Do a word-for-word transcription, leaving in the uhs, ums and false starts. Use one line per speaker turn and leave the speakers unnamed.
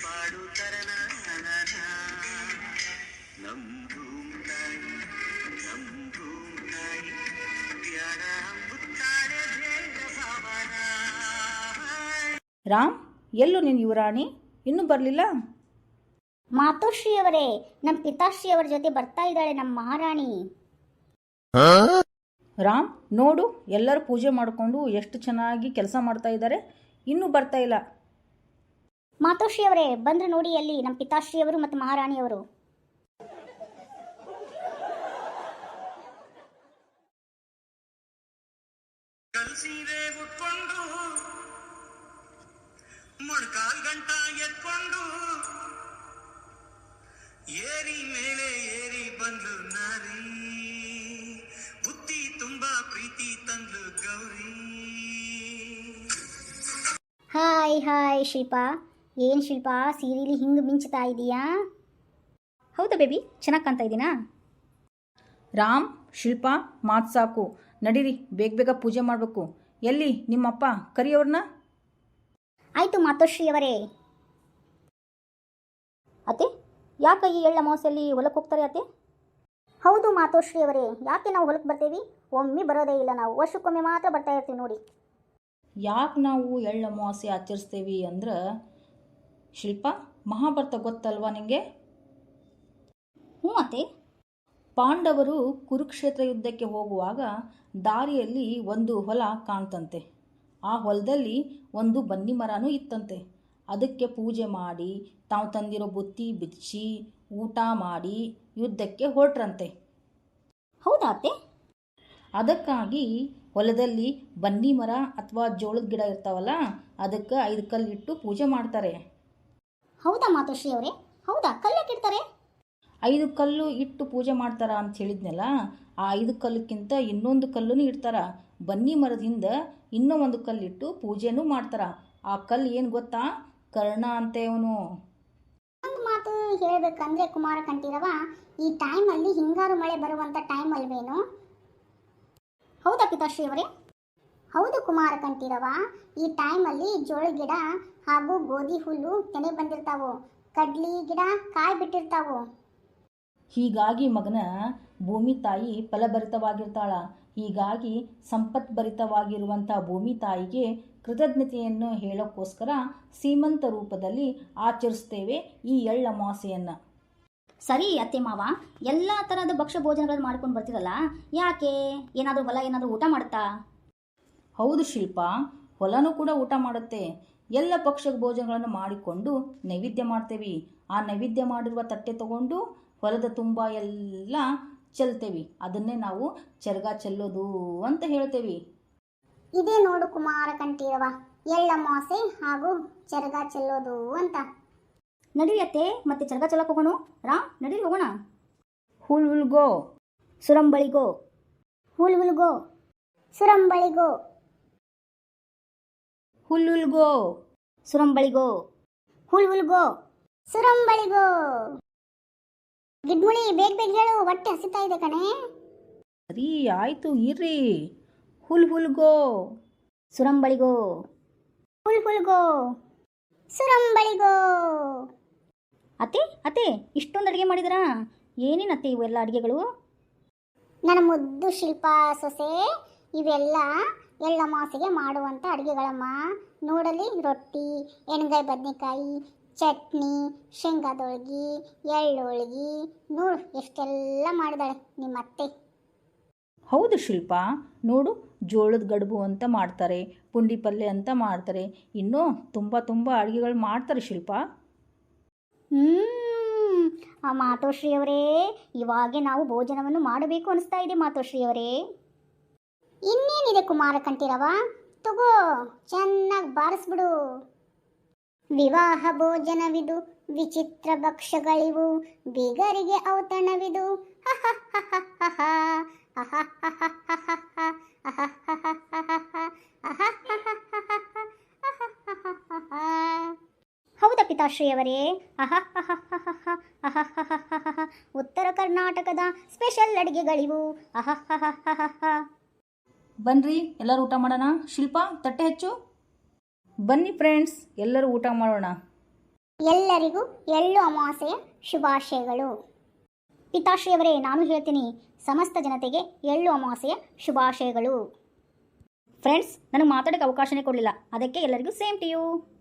ರಾಮ್, ಎಲ್ಲೂ ನೀನು ಯುವರಾಣಿ ಇನ್ನೂ ಬರಲಿಲ್ಲ?
ಮಾತೋಶ್ರೀಯವರೇ, ನಮ್ಮ ಪಿತಾಶ್ರೀಯವರ ಜೊತೆ ಬರ್ತಾ ಇದ್ದಾಳೆ ನಮ್ಮ ಮಹಾರಾಣಿ.
ರಾಮ್, ನೋಡು, ಎಲ್ಲರೂ ಪೂಜೆ ಮಾಡಿಕೊಂಡು ಎಷ್ಟು ಚೆನ್ನಾಗಿ ಕೆಲಸ ಮಾಡ್ತಾ ಇದ್ದಾರೆ, ಇನ್ನೂ ಬರ್ತಾ ಇಲ್ಲ.
ಮಾತೋಶ್ರೀಯವರೇ, ಬಂದ್ರೆ ನೋಡಿ ಅಲ್ಲಿ ನಮ್ಮ ಪಿತಾಶ್ರೀಯವರು ಮತ್ತು ಮಹಾರಾಣಿಯವರು.
ಮೊಣಕಾಲ್ ಗಂಟ ಎತ್ಕೊಂಡು ಏರಿ ಮೇಲೆ ಏರಿ ಬಂದ್ಲು ನಾರಿ, ಬುತ್ತಿ ತುಂಬಾ ಪ್ರೀತಿ ತಂದ್ಲು ಗೌರಿ.
ಹಾಯ್ ಹಾಯ್ ಶಿಲ್ಪಾ, ಏನು ಶಿಲ್ಪಾ ಸೀರೆಲಿ ಹಿಂಗೆ ಮಿಂಚ್ತಾ ಇದೀಯಾ?
ಹೌದಾ ಬೇಬಿ, ಚೆನ್ನಾಗಿ ಕಾಣ್ತಾ ಇದ್ದೀನಾ?
ರಾಮ್, ಶಿಲ್ಪಾ, ಮಾತು ಸಾಕು, ನಡೀರಿ, ಬೇಗ ಬೇಗ ಪೂಜೆ ಮಾಡಬೇಕು. ಎಲ್ಲಿ ನಿಮ್ಮಪ್ಪ, ಕರಿಯವ್ರನ್ನ.
ಆಯಿತು ಮಾತೋಶ್ರೀಯವರೇ.
ಅತ್ತೆ, ಯಾಕೆ ಈ ಎಳ್ಳ ಅಮಾವಾಸ್ಯೆಯಲ್ಲಿ ಹೊಲಕ್ಕೆ ಹೋಗ್ತಾರೆ ಅತ್ತೆ?
ಹೌದು ಮಾತೋಶ್ರೀಯವರೇ, ಯಾಕೆ ನಾವು ಹೊಲಕ್ಕೆ ಬರ್ತೇವೆ? ಒಮ್ಮೆ ಬರೋದೇ ಇಲ್ಲ, ನಾವು ವರ್ಷಕ್ಕೊಮ್ಮೆ ಮಾತ್ರ ಬರ್ತಾ ಇರ್ತೀವಿ ನೋಡಿ.
ಯಾಕೆ ನಾವು ಎಳ್ಳು ಅಮಾವಾಸ್ಯೆ ಆಚರಿಸ್ತೇವೆ ಅಂದ್ರೆ, ಶಿಲ್ಪ, ಮಹಾಭಾರತ ಗೊತ್ತಲ್ವಾ ನಿಮಗೆ?
ಹ್ಞೂ ಅತ್ತೆ.
ಪಾಂಡವರು ಕುರುಕ್ಷೇತ್ರ ಯುದ್ಧಕ್ಕೆ ಹೋಗುವಾಗ ದಾರಿಯಲ್ಲಿ ಒಂದು ಹೊಲ ಕಾಣ್ತಂತೆ. ಆ ಹೊಲದಲ್ಲಿ ಒಂದು ಬನ್ನಿ ಮರನೂ ಇತ್ತಂತೆ. ಅದಕ್ಕೆ ಪೂಜೆ ಮಾಡಿ ತಾವು ತಂದಿರೋ ಬುತ್ತಿ ಬಿಚ್ಚಿ ಊಟ ಮಾಡಿ ಯುದ್ಧಕ್ಕೆ ಹೊರಟ್ರಂತೆ.
ಹೌದಾ ಅತ್ತೆ?
ಅದಕ್ಕಾಗಿ ಹೊಲದಲ್ಲಿ ಬನ್ನಿ ಮರ ಅಥವಾ ಜೋಳದ ಗಿಡ ಇರ್ತಾವಲ್ಲ, ಅದಕ್ಕೆ ಐದು ಕಲ್ಲಿಟ್ಟು ಪೂಜೆ ಮಾಡ್ತಾರೆ.
ಹೌದಾ ಮಾತೋಶ್ರೀಯವರೇ? ಹೌದಾ, ಕಲ್ಲಕ್ಕಿಡ್ತಾರೆ?
ಐದು ಕಲ್ಲು ಇಟ್ಟು ಪೂಜೆ ಮಾಡ್ತಾರ ಅಂತ ಹೇಳಿದ್ನಲ್ಲ, ಆ ಐದು ಕಲ್ಲಕ್ಕಿಂತ ಇನ್ನೊಂದು ಕಲ್ಲೂ ಇಡ್ತಾರ. ಬನ್ನಿ ಮರದಿಂದ ಇನ್ನೂ ಒಂದು ಕಲ್ಲಿಟ್ಟು ಪೂಜೆನೂ ಮಾಡ್ತಾರ. ಆ ಕಲ್ಲು ಏನು ಗೊತ್ತಾ? ಕರ್ಣ ಅಂತೆ ಅವನು.
ಒಂದು ಮಾತು ಹೇಳಬೇಕಂದ್ರೆ ಕುಮಾರ ಕಂಠೀರವ, ಈ ಟೈಮಲ್ಲಿ ಹಿಂಗಾರು ಮಳೆ ಬರುವಂಥ ಟೈಮ್ ಅಲ್ವೇನು? ಹೌದಾ ಪಿತಾಶ್ರೀಯವರೇ? ಹೌದು ಕುಮಾರ ಕಂಠೀರವ, ಈ ಟೈಮಲ್ಲಿ ಜೋಳ ಗಿಡ ಹಾಗೂ ಗೋಧಿ ಹುಲ್ಲು ತೆನೆ ಬಂದಿರ್ತಾವು, ಕಡ್ಲಿ ಗಿಡ ಕಾಯಿ ಬಿಟ್ಟಿರ್ತಾವು.
ಹೀಗಾಗಿ ಮಗನ, ಭೂಮಿ ತಾಯಿ ಫಲಭರಿತವಾಗಿರ್ತಾಳ. ಹೀಗಾಗಿ ಸಂಪತ್ಭರಿತವಾಗಿರುವಂಥ ಭೂಮಿ ತಾಯಿಗೆ ಕೃತಜ್ಞತೆಯನ್ನು ಹೇಳೋಕ್ಕೋಸ್ಕರ ಸೀಮಂತ ರೂಪದಲ್ಲಿ ಆಚರಿಸ್ತೇವೆ ಈ ಎಳ್ಳು ಅಮಾವಾಸ್ಯೆಯನ್ನು.
ಸರಿ ಅತ್ತೆ ಮಾವ, ಎಲ್ಲ ಥರದ ಭಕ್ಷ್ಯ ಭೋಜನಗಳನ್ನು ಮಾಡ್ಕೊಂಡು ಬರ್ತಿರಲ್ಲ, ಯಾಕೆ? ಏನಾದರೂ ಹೊಲ ಏನಾದರೂ ಊಟ ಮಾಡುತ್ತಾ?
ಹೌದು ಶಿಲ್ಪ, ಹೊಲನೂ ಕೂಡ ಊಟ ಮಾಡುತ್ತೆ. ಎಲ್ಲ ಭಕ್ಷ್ಯ ಭೋಜನಗಳನ್ನು ಮಾಡಿಕೊಂಡು ನೈವೇದ್ಯ ಮಾಡ್ತೇವೆ. ಆ ನೈವೇದ್ಯ ಮಾಡಿರುವ ತಟ್ಟೆ ತಗೊಂಡು ಹೊಲದ ತುಂಬ ಎಲ್ಲ ಚೆಲ್ತೇವೆ. ಅದನ್ನೇ ನಾವು ಚರಗ ಚೆಲ್ಲೋದು ಅಂತ ಹೇಳ್ತೇವೆ.
ಇದೇ ನೋಡು ಕುಮಾರ ಕಂಠೀರವ, ಎಳ್ಳಮಾಸೆ ಹಾಗೂ ಚರಗ ಚೆಲ್ಲೋದು ಅಂತ.
ನಡೀರಿ ಅತ್ತೆ, ಮತ್ತೆ ಚರಗ ಚೆಲ್ಲಕ್ಕೆ ಹೋಗೋಣ. ರಾಮ್, ನಡೀರಿ ಹೋಗೋಣ.
ಹುಲ್ ಹುಲ್ಗೋ,
ಸುರಂಬಳಿಗೋ, ಹುಲ್ ಹುಲ್ಗೋ, ಸುರಂಬಳಿಗೋ,
ಹುಲ್ ಹುಲ್ಗೋ,
ಸುರಂಬಳಿಗೋ, ಹುಲ್ ಹುಲ್ಗೋ, ಸುರಂಬಳಿಗೋ. ಗಿಡ್ಮುಳಿ, ಬೇಗ ಬೇಗ ಹೇಳು, ಹೊಟ್ಟೆ ಹಸಿತಾ ಇದೆ ಕಣೆ.
ಸರಿ ಆಯಿತು ಇರ್ರಿ. ಹುಲ್ ಹುಲ್ಗೋ,
ಸುರಂಬಳಿಗೋ, ಹುಲ್ ಹುಲ್ಗೋ, ಸುರಂಬಳಿಗೋ.
ಅತ್ತೆ ಅತ್ತೆ, ಇಷ್ಟೊಂದು ಅಡುಗೆ ಮಾಡಿದ್ರಾ? ಏನೇನತ್ತೆ ಇವೆಲ್ಲ ಅಡುಗೆಗಳು?
ನನ್ನ ಮುದ್ದು ಶಿಲ್ಪ ಸೊಸೆ, ಇವೆಲ್ಲ ಎಳ್ಳಮಾಸೆಗೆ ಮಾಡುವಂಥ ಅಡುಗೆಗಳಮ್ಮ. ನೋಡಲಿ, ರೊಟ್ಟಿ, ಎಣ್ಗಾಯಿ ಬದನೆಕಾಯಿ, ಚಟ್ನಿ, ಶೇಂಗಾದೊಳಗಿ, ಎಳ್ಳೊಳಗಿ, ನೋಡು ಎಷ್ಟೆಲ್ಲ ಮಾಡಿದಾಳೆ ನಿಮ್ಮ ಅತ್ತೆ.
ಹೌದು ಶಿಲ್ಪ, ನೋಡು, ಜೋಳದ ಗಡುಬು ಅಂತ ಮಾಡ್ತಾರೆ, ಪುಂಡಿ ಪಲ್ಯ ಅಂತ ಮಾಡ್ತಾರೆ, ಇನ್ನೂ ತುಂಬ ತುಂಬ ಅಡುಗೆಗಳು ಮಾಡ್ತಾರೆ ಶಿಲ್ಪ.
ಹ್ಞೂ ಆ ಮಾತೋಶ್ರೀಯವರೇ, ಇವಾಗೆ ನಾವು ಭೋಜನವನ್ನು ಮಾಡಬೇಕು ಅನಿಸ್ತಾ ಇದೆ ಮಾತೋಶ್ರೀಯವರೇ. ಇನ್ನೇನಿದೆ ಕುಮಾರ ಕಂಠೀರವ, ತಗೋ ಚೆನ್ನಾಗಿ ಬಾರಿಸ್ಬಿಡು. ವಿವಾಹ ಭೋಜನವಿದು, ವಿಚಿತ್ರ ಭಕ್ಷ್ಯಗಳಿವು, ಬೀಗರಿಗೆ ಔತಣವಿದು. ಹೌದಾ ಪಿತಾಶ್ರೀಯವರೇ? ಉತ್ತರ ಕರ್ನಾಟಕದ ಸ್ಪೆಷಲ್ ಅಡುಗೆಗಳಿವು.
ಬನ್ನಿರಿ, ಎಲ್ಲರೂ ಊಟ ಮಾಡೋಣ. ಶಿಲ್ಪ, ತಟ್ಟೆ ಹೆಚ್ಚು. ಬನ್ನಿ ಫ್ರೆಂಡ್ಸ್, ಎಲ್ಲರೂ ಊಟ ಮಾಡೋಣ.
ಎಲ್ಲರಿಗೂ ಎಳ್ಳು ಅಮಾವಾಸ್ಯೆಯ ಶುಭಾಶಯಗಳು. ಪಿತಾಶ್ರೀಯವರೇ, ನಾನು ಹೇಳ್ತೀನಿ, ಸಮಸ್ತ ಜನತೆಗೆ ಎಳ್ಳು ಅಮಾವಾಸ್ಯೆಯ ಶುಭಾಶಯಗಳು.
ಫ್ರೆಂಡ್ಸ್, ನನಗೆ ಮಾತಾಡೋಕ್ಕೆ ಅವಕಾಶನೇ ಕೊಡಲಿಲ್ಲ, ಅದಕ್ಕೆ ಎಲ್ಲರಿಗೂ ಸೇಮ್ ಟು ಯು.